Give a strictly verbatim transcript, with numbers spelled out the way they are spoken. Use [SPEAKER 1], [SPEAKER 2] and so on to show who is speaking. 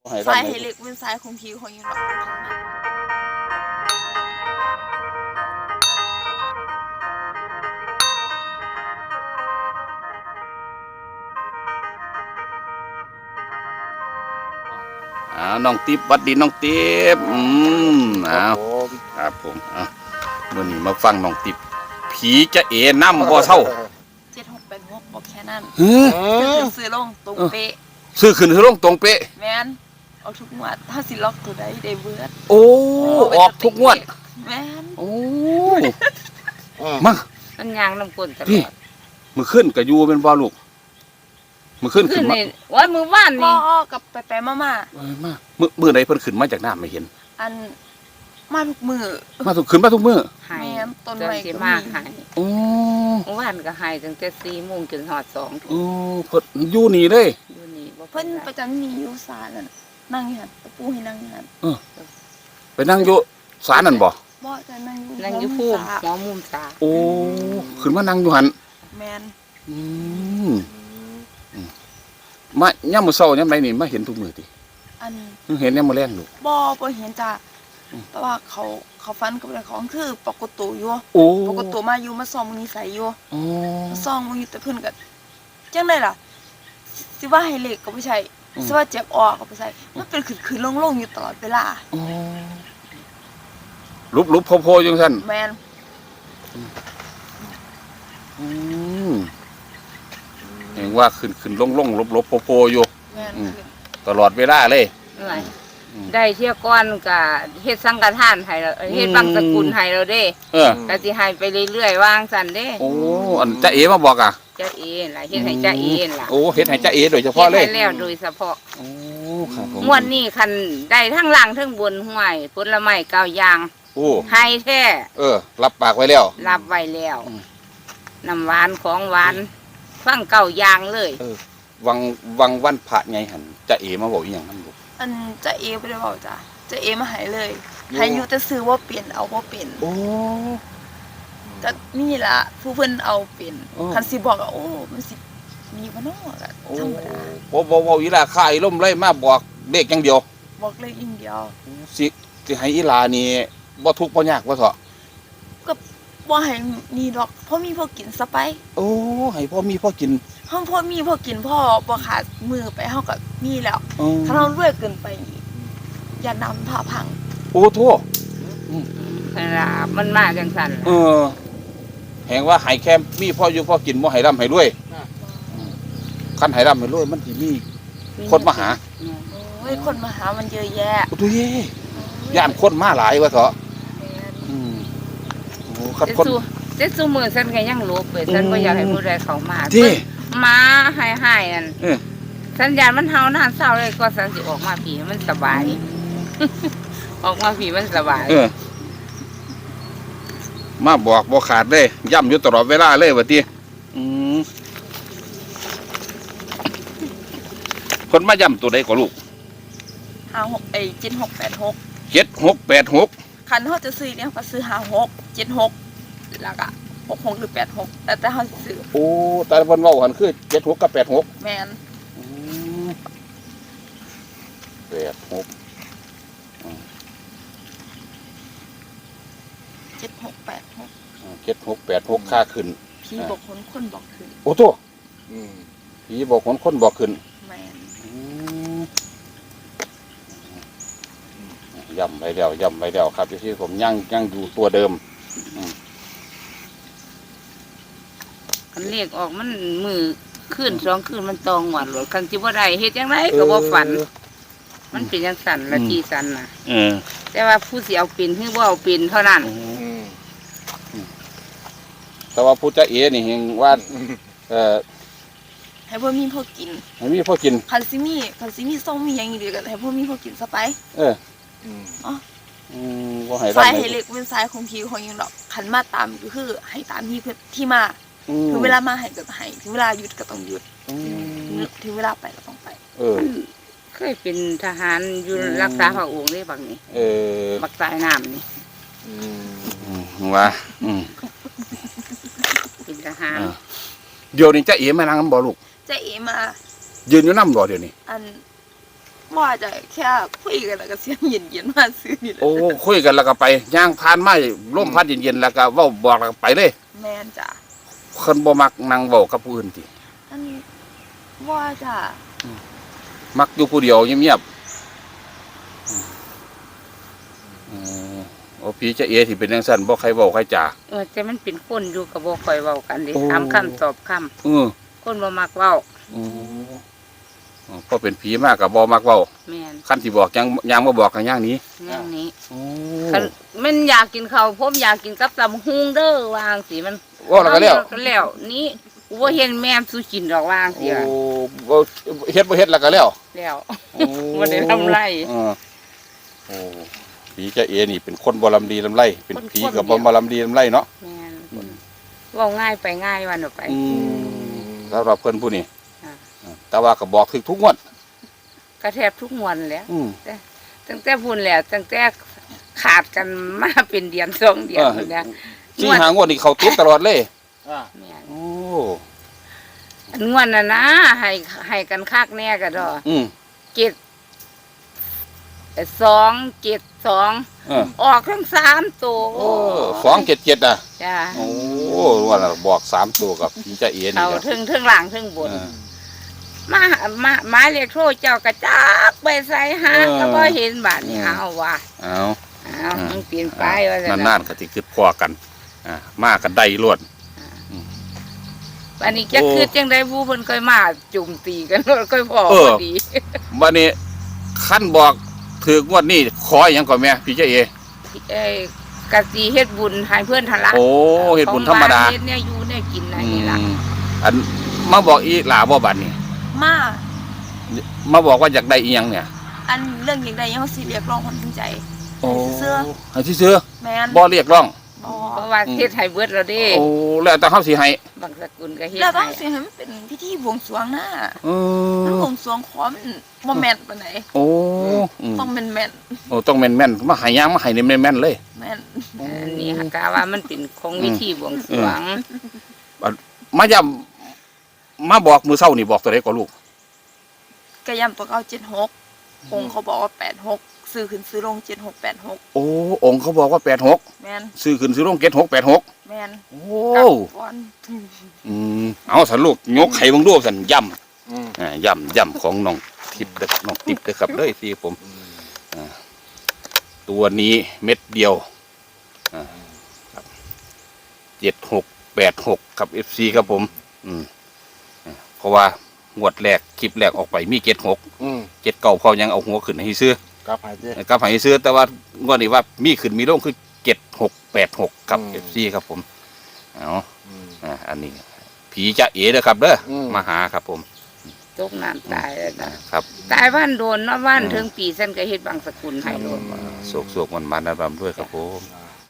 [SPEAKER 1] สายให้เล็กเป็นสายของทีของยังหรอก
[SPEAKER 2] อ่าน้องติ๊บวัดดีน้องติ๊บอืมอ้าวครับผมอ่ะมื่อนี้มาฟังน้องติ๊บผีจะเอ๋น้ำบ่เท่า
[SPEAKER 1] เจ็ดหกแปดหกบอกแค่นั้น
[SPEAKER 2] เฮ้ย
[SPEAKER 1] ซื้อลงตรงเป๊ะ
[SPEAKER 2] ซื้อขึ้นซื้อลงตรงเป๊ะ
[SPEAKER 1] แมนเอาทุกงวดถ้าสิล็อกตัวใดได้เบิด
[SPEAKER 2] โอ้ออกทุกงวด
[SPEAKER 1] แมน
[SPEAKER 2] โอ้มา
[SPEAKER 3] มันยางน้ำกลนตลอด
[SPEAKER 2] มือขึ้นกับยูเป็นบ่ลูกมือขึ้นขึ้นมา
[SPEAKER 3] วันมือว่านนี่
[SPEAKER 1] พ่อกับไปไปมามา
[SPEAKER 2] มามือมือไหนเพิ่นขึ้นมาจากน้ำไม่เห็น
[SPEAKER 1] อันมาทุกมือ
[SPEAKER 2] มาทุกขึ้นมาทุกมือ
[SPEAKER 3] หายต้นไม้ก็มีหาย
[SPEAKER 2] โอ้
[SPEAKER 3] ว่านก็หายตั้งแต่สี่โมงจนหอดสอง
[SPEAKER 2] โอ้เพิ่นอยู่นี่เลย
[SPEAKER 3] อยู่นี่
[SPEAKER 1] เพิ่นประจำมีอยู่ศาลนั่นนั่งอยู่หันตะปูให้นั่งอยู่หัน
[SPEAKER 2] เออไปนั่งอยู่ศาลนั่นบ่
[SPEAKER 1] บ่จะนั่งอยู่
[SPEAKER 3] นั่งอยู่ภูมิหัวมุมศาล
[SPEAKER 2] โอ้ขึ้นมานั่งอยู่หัน
[SPEAKER 1] แมน
[SPEAKER 2] อืมมาย่ำมือเศร้าย่ำไรนี่มาเห็นทุกมือติ
[SPEAKER 1] อัน
[SPEAKER 2] เห็นย่ำมือแรงลูก
[SPEAKER 1] บ่บ่เห็นจ้ะแต่ว่าเขาเขาฟันกับเจ้าของคือปกติอยู่ปกติมาอยู่มาซ่อมนิสัยอยู่มาซ่อมมึงอยู่แต่เพิ่นก็จังได๋ล่ะสิว่าให้เล็กก็บ่ใช่สิว่าเจ็บออกก็บ่ใช่มันเป็นขึ้นๆลงๆอยู่ตลอดเวลา
[SPEAKER 2] ลุบๆโผล่ๆจังซั่น
[SPEAKER 1] แม่น
[SPEAKER 2] อืมเห็นว่าขึ้นๆลงๆลบๆโผล่ๆอยู่
[SPEAKER 1] แม่น
[SPEAKER 2] ตลอดเวลาเลย
[SPEAKER 3] ได้เที่ยก้อนกับเฮ็ดสังฆทานให้เราเฮ็ดบังสกุลให้เราเด้
[SPEAKER 2] เออ
[SPEAKER 3] ก็สิให้ไปเรื่อยๆวางสั่นเด้
[SPEAKER 2] โอ้อันจ้าเอ๋มาบอกอ่ะ
[SPEAKER 3] จ้าเอ๋ล่ะเฮ็ดให้จ้าเอ๋ล่ะ
[SPEAKER 2] โอ้เฮ็ดให้จ้าเอ๋โดยเฉพาะเลย
[SPEAKER 3] เฮ็ดให้แล้วโดยเฉพาะ
[SPEAKER 2] โอ้ครับผม
[SPEAKER 3] งวดนี้คันได้ทั้งล่างทั้งบนห้วยผลไม้เก้าอย่าง
[SPEAKER 2] โอ้
[SPEAKER 3] ให้แท้
[SPEAKER 2] เออรับปากไว้แล้ว
[SPEAKER 3] รับไว้แล้วน้ำหวานของหวานฟังเก้าอย่างเลย
[SPEAKER 2] เออวังวังวันพระไงหั่นจ้าเอ๋มาบอกอีหยังนั่นลูก
[SPEAKER 1] อันจะเอบ่ได้บอกจ้ะจะเอมาหายเลยให้อยู่แต่ซื้อว่าเปลี่ยนเอาบ่เป็น
[SPEAKER 2] โอ้
[SPEAKER 1] ก็นี่ล่ะผู้เพิ่นเอาเป็นคันสิบอกอ่ะโอ้มันสิมีบ่เนาะก็ธรรมดา
[SPEAKER 2] บ่บ่เว้าอีหลาค่ายล่มเลยมาบอกเลขอย่างเดียว
[SPEAKER 1] บอกเลขอย่างเดียว
[SPEAKER 2] สิสิให้อีหลานี่บ่ทุกข์บ่ยากว่าเถาะ
[SPEAKER 1] ก็บ่ให้นี่ดอกพอมีพอกินซะไป
[SPEAKER 2] โอ้ให้พ่อมีพ่อกิน
[SPEAKER 1] เฮาพอมีพอกินพ่อบ่ขาดมือไปเฮาก็มีแล้วถ้าเรารวยเกินไปอย่านำผ้าพัง
[SPEAKER 2] โอ้โธ่
[SPEAKER 3] เวลามันมาจังซั่น
[SPEAKER 2] เออแหงว่าให้แค่มีพ่ออยู่พ่อกินบ่ให้ร่ำให้รวยคันให้ร่ำให้รวยมันสิมีคนมาหา
[SPEAKER 1] โอ้ยคนมาหามันเยอะแยะ
[SPEAKER 2] โอ้ตัวเย่ย่านคนมาหลายว่าเถาะอืมโอ้คันคน
[SPEAKER 3] เจ็ดซุมื้อฉันก็ยังลบเปิดฉันบ่อยากให้ผู้ใดเข้ามามาให้ๆนั่นสัญญาณมันเฮานานเศร้าเลยก็สันสิออกมาผีมันสบายออกมาผีมันสบาย
[SPEAKER 2] เออมาบอกบ่ขาดเลยย่ำอยู่ตลอดเวลาเลยว่าติอืมคนมาย่ำตัวใดก็ลูก
[SPEAKER 1] ห้าหกไอ้เจ็ดหกแปดหก
[SPEAKER 2] เจ็ดหกแปดหก
[SPEAKER 1] คันเขาจะซื้อเนี่ยเขาซื้อห้าหกเจ็ดหกแล้วก็หกหกหรือแปดหกแต่แต่เขาซื้อ
[SPEAKER 2] โอ้แต่วันเว้าหันคือเจ็ดหกกับแปดหก
[SPEAKER 1] แม่น
[SPEAKER 2] แปดหก
[SPEAKER 1] เจ็ดหกแปดหก
[SPEAKER 2] เจ็ดหกแปดหกค่าขึ้น
[SPEAKER 1] ผีบอกคนคนบอกขึ้น
[SPEAKER 2] โอ้โธ่ผีบอกคนคนบอกขึ้น
[SPEAKER 1] แม่น
[SPEAKER 2] ย่ำไปแล้วย่ำไปแล้วครับที่ผมยังยังอยู่ตัวเดิม
[SPEAKER 3] คันเลขออกมันมือขึ้นสองขึ้นมันตองหวานหลดคันจิบ่ได้เฮ็ดจังไดก็บ่ฝันมันเป็นจังสั่นละจีสั่นน่ะแต่ว่าผู้สิเอาเป็นคือบ่เอาเป็นเท่านั้น
[SPEAKER 2] แต่ว่าผู้จ้าเอ๋นี่เห็นว่าเอ่อ
[SPEAKER 1] ให้พ่อมีพ่อกิน
[SPEAKER 2] ให้มีพ่อกิน
[SPEAKER 1] คันสิมีคันสิมีส่งมีหยังอีกก็ให้พ่อมีพ่อกินซะไป
[SPEAKER 2] เอออ๋ออืมบ่ให้
[SPEAKER 1] สายให้เล็กเป็นสายของทีของยังดอกคันมาตามก็คือให้ตามที่ที่มาถึงเวลามาให้ก็ให้ถึงเวลาหยุดก็ต้องหยุดถึงเวลาไปก็ต้องไป
[SPEAKER 2] เออ
[SPEAKER 3] เคยเป็นทหารอยู่รักษาพระองค์ได้บางนี่
[SPEAKER 2] เออ
[SPEAKER 3] บักสายน้ำนี่
[SPEAKER 2] อืมว่าอืม
[SPEAKER 3] เป็นทหาร
[SPEAKER 2] เดี๋ยวนี้จ้าเอ๋มานั่งบ่ลูก
[SPEAKER 1] จ้าเอ๋มา
[SPEAKER 2] ยืนอยู่น้ำบ่เดี๋ยวนี้
[SPEAKER 1] อันว่าจะแค่คุยกันแล้วก็เสียงเย็นๆมาซื้อนี่แหละ
[SPEAKER 2] โอ้คุยกันแล้วก็ไปย่างผ่านมาลมพัดเย็นๆแล้วก็เว้าบอกแล้วก็ไปเลย
[SPEAKER 1] แม่นจ้ะ
[SPEAKER 2] คนบ่มักนั่งเว้ากับผู้อื่นติ
[SPEAKER 1] อันว่าจ้ะ
[SPEAKER 2] มักอยู่ผู้เดียวเงียบๆอืมอืมโอ้พี่จะเอที่เป็นจังซั่นบ่ใครเว้าใครจ่า
[SPEAKER 3] เออแต่มันเป็นคนอยู่กับบ่ค่อยเว้ากันเดิ
[SPEAKER 2] โอ้
[SPEAKER 3] ถามคำตอบคำ
[SPEAKER 2] เออ
[SPEAKER 3] คนบ่มักเว้า
[SPEAKER 2] อืมอ๋อพอเป็นผีมากก็บ่มักเว้า
[SPEAKER 3] แม่น
[SPEAKER 2] คันสิบอกยังยังบ่บอกกันอย่างนี้
[SPEAKER 3] อย่างนี้
[SPEAKER 2] โอ้
[SPEAKER 3] คันมันอยากกินข้าวผมอยากกินกับตำหุงเด้อวางสิมัน
[SPEAKER 2] เว้าแล้วก็แล้ว
[SPEAKER 3] ก็แล้วนี่กูบ่เห็นแม่มสุกินดอกวางสิ
[SPEAKER 2] โอ้
[SPEAKER 3] อะ
[SPEAKER 2] บ่เฮ็ดบ่เฮ็ดแล้วก็แล้ว
[SPEAKER 3] แล้ว
[SPEAKER 2] โอ้
[SPEAKER 3] บ่ได้ทำไร
[SPEAKER 2] เออโอ้ผีจะเอนี่เป็นคนบ่ลำดีลำไรเป็นผี
[SPEAKER 3] คนๆ
[SPEAKER 2] กับ
[SPEAKER 3] เดี
[SPEAKER 2] บ่
[SPEAKER 3] ยว
[SPEAKER 2] มาลำดีลำไรเนาะ
[SPEAKER 3] แม่นคนเว้าง่ายไปง่ายวันออกไป
[SPEAKER 2] อืมสำหรับเพิ่นผู้นี้
[SPEAKER 3] อ่า
[SPEAKER 2] แต่ว่าก็บอกถึกทุกงวด
[SPEAKER 3] กระแทบทุกมวนแหล้ว
[SPEAKER 2] อืม
[SPEAKER 3] ตั้งแต่พูนแหล้วตั้งแต่ขาดกันมาเป็นเดือนสองเดือน
[SPEAKER 2] เออ
[SPEAKER 3] พุ่นนะ
[SPEAKER 2] สี่หางวดนี่เขาติดตลอดเลย
[SPEAKER 4] อ่า
[SPEAKER 3] แม่น
[SPEAKER 2] โอ้
[SPEAKER 3] อันงวนน่ะนะให้ให้กันคักแน่ก็ดอ
[SPEAKER 2] อืม
[SPEAKER 3] เจ็ดเอ่อสองเจ็ดสอง
[SPEAKER 2] เออ
[SPEAKER 3] ออกทั้งสามตัว
[SPEAKER 2] โอ้สองเจ็ดเจ็ดอ่ะ
[SPEAKER 3] จ้า
[SPEAKER 2] โอ้ว่าน่ะบอกสามตัวกับผีจะเอนี่
[SPEAKER 3] เขา
[SPEAKER 2] ครับ
[SPEAKER 3] ทึงทึงหลังทึงบน
[SPEAKER 2] เออ
[SPEAKER 3] มามาหมายเลขโทรเจ้ากระจักไปใส่หา
[SPEAKER 2] เออ
[SPEAKER 3] ก็บ่เห็นบาดนี่
[SPEAKER 2] เออ
[SPEAKER 3] เอาว่ะ
[SPEAKER 2] เอา
[SPEAKER 3] เอา
[SPEAKER 2] อืม
[SPEAKER 3] มันเปลี่ยนไปว่าซั่
[SPEAKER 2] นานๆก็สิคิดพอกันอ่ามากันได้รวด
[SPEAKER 3] อันนี้จะ
[SPEAKER 2] โอ้
[SPEAKER 3] คือจังได้ผู้เพิ่นค่อยมาจุ่มตีกัน ค่อยพอ
[SPEAKER 2] เออ
[SPEAKER 3] พอดี
[SPEAKER 2] วันนี้ขั้นบอกถือกงวดนี้ขออย่างก่อนแม่พี่เจ้าเอ
[SPEAKER 3] เอ้ยกะสิเฮ็ดบุญให้เพื่อนทะละ
[SPEAKER 2] โอ้เฮ็ดบุญธรรมดา
[SPEAKER 3] ของบ้นเฮ็ดเนี่ยอยู่เนี่ยกินอันนี้ล่ะ
[SPEAKER 2] อืมอันมาบอกอีหลาบ่บัดนี่
[SPEAKER 1] มา
[SPEAKER 2] มาบอกว่าอยากได้อีหยังเนี่ย
[SPEAKER 1] อันเรื่องอย่างใดยังเขาสิเรียกร้องความสนใจ
[SPEAKER 2] โอ้
[SPEAKER 1] เสื้อ
[SPEAKER 2] ให้ซื้อ
[SPEAKER 1] แม่น
[SPEAKER 2] บ่เรียกร้อง
[SPEAKER 1] บ่
[SPEAKER 3] เพราะว่าเฮ็ดให้เบิดแล้วเด้
[SPEAKER 2] โอ้แล้วแต่เฮาสิให้
[SPEAKER 3] บางสกุลก็เฮ็ด
[SPEAKER 1] แล้วต้อ
[SPEAKER 3] ให้
[SPEAKER 1] งสิให้มันเป็นพิธีบวงสรวงนะ
[SPEAKER 2] เอ
[SPEAKER 1] มัน
[SPEAKER 2] อบ
[SPEAKER 1] วงสรวงขอมันบ่แม่นปานใด
[SPEAKER 2] โอ้อืม
[SPEAKER 1] ต้องแม่นแม่น
[SPEAKER 2] โอ้ต้องแม่นๆมาให้หยังมาให้นี่แม่นๆเลย
[SPEAKER 1] แม่น
[SPEAKER 3] อันนี้ฮะกะว่ามันเป็นของวิธีบวงสรวง
[SPEAKER 2] มาย้ำมาบอกมื้อเช้านี่บอกตัวใดก็ลูก
[SPEAKER 1] กระยำตัวเก้าเจ็ดหกองค์เขาบอกว่าแปดหกซื้อขึ้นซื้อลงเจ็ดหกแปดหก
[SPEAKER 2] โอ้องค์เขาบอกว่าแปดหก
[SPEAKER 1] แม่น
[SPEAKER 2] ซื้อขึ้นซื้อลงเจ็ดหกแปดหก
[SPEAKER 1] แม่น
[SPEAKER 2] โอ้
[SPEAKER 1] กลับก่อน
[SPEAKER 2] อืมเอาสันลูกยกไข่เบังดูสันย่
[SPEAKER 4] อืม
[SPEAKER 2] ำอ่าย่ำย่ำของน้องทิพย์เด้อน้องทิพย์เด้อครับเด้อที่ผมอ่าตัวนี้เม็ดเดียวอ่าครับเจ็ดหกแปดหกครับเอฟซีครับผม อืมอ่าเพราะว่างวดแรกคลิปแรกออกไปมีเจ็ดหก
[SPEAKER 4] อืม
[SPEAKER 2] เจ็ดเก่าพอยังเอาหัวขึ้นให้ซื้อก
[SPEAKER 4] ลับหายเจ้
[SPEAKER 2] กับให้ซื้อแต่ว่างวดนี้ว่ามีขึ้นมีลงคือเจ็ดหกแปดหกครับ
[SPEAKER 4] อืม
[SPEAKER 2] เอฟซีครับผมเอา
[SPEAKER 4] อืม
[SPEAKER 2] อ่าอันนี้ ผีจะเอ๋เด้อครับเด้ออ
[SPEAKER 4] ม
[SPEAKER 2] มาหาครับผม
[SPEAKER 3] ตกน้ำตายแล้ว
[SPEAKER 2] อ่า
[SPEAKER 3] นะครับ ตายบ้านโดนเนาะบ้านถึงปีซั่นก็เฮ็ดบางสกุลให้โดน
[SPEAKER 2] โศกโศกมันมันนะรำด้วยครับผม
[SPEAKER 4] อ่า